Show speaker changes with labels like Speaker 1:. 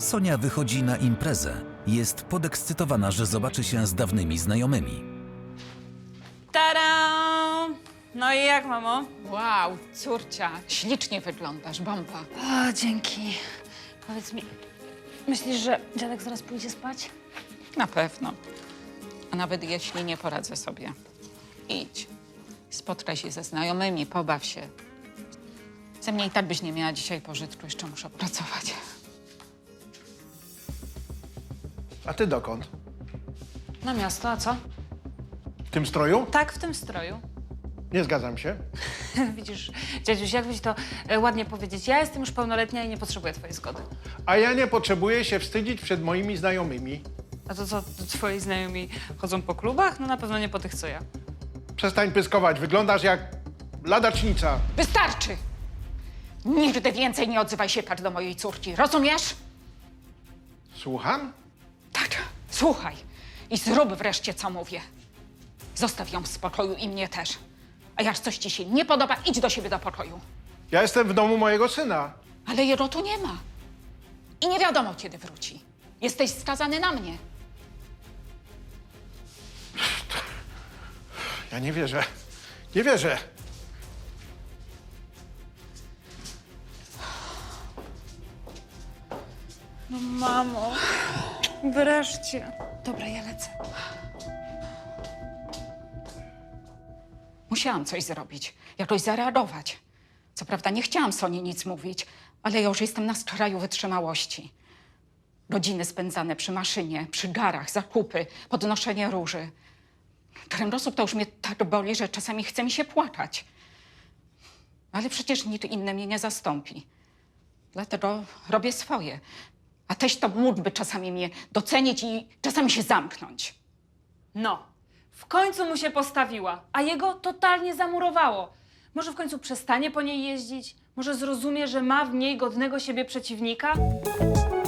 Speaker 1: Sonia wychodzi na imprezę. Jest podekscytowana, że zobaczy się z dawnymi znajomymi.
Speaker 2: Tada! No i jak, mamo?
Speaker 3: Wow, córcia, ślicznie wyglądasz, bomba.
Speaker 2: O, dzięki. Powiedz mi, myślisz, że dziadek zaraz pójdzie spać?
Speaker 3: Na pewno. A nawet jeśli nie poradzę sobie, idź. Spotkaj się ze znajomymi, pobaw się. Ze mnie i tak byś nie miała dzisiaj pożytku, jeszcze muszę pracować.
Speaker 4: A ty dokąd?
Speaker 2: Na miasto, a co?
Speaker 4: W tym stroju?
Speaker 2: Tak, w tym stroju.
Speaker 4: Nie zgadzam się.
Speaker 2: Widzisz, dziadziuś, jakbyś to ładnie powiedzieć. Ja jestem już pełnoletnia i nie potrzebuję twojej zgody.
Speaker 4: A ja nie potrzebuję się wstydzić przed moimi znajomymi.
Speaker 2: A to co, to twoi znajomi chodzą po klubach? No na pewno nie po tych, co ja.
Speaker 4: Przestań pyskować, wyglądasz jak ladacznica.
Speaker 3: Wystarczy! Nigdy więcej nie odzywaj się tak do mojej córki, rozumiesz?
Speaker 4: Słucham?
Speaker 3: Tak, słuchaj i zrób wreszcie, co mówię. Zostaw ją w spokoju i mnie też. A jak coś ci się nie podoba, idź do siebie do pokoju.
Speaker 4: Ja jestem w domu mojego syna.
Speaker 3: Ale jego tu nie ma. I nie wiadomo, kiedy wróci. Jesteś skazany na mnie.
Speaker 4: Ja nie wierzę. Nie wierzę.
Speaker 2: No mamo, wreszcie. Dobra, ja lecę.
Speaker 3: Musiałam coś zrobić, jakoś zareagować. Co prawda nie chciałam Soni nic mówić, ale ja już jestem na skraju wytrzymałości. Godziny spędzane przy maszynie, przy garach, zakupy, podnoszenie róży. Kręgosłup to już mnie tak boli, że czasami chce mi się płakać. Ale przecież nikt inny mnie nie zastąpi. Dlatego robię swoje. A teść to mógłby czasami mnie docenić i czasami się zamknąć.
Speaker 2: No, w końcu mu się postawiła, a jego totalnie zamurowało. Może w końcu przestanie po niej jeździć? Może zrozumie, że ma w niej godnego siebie przeciwnika?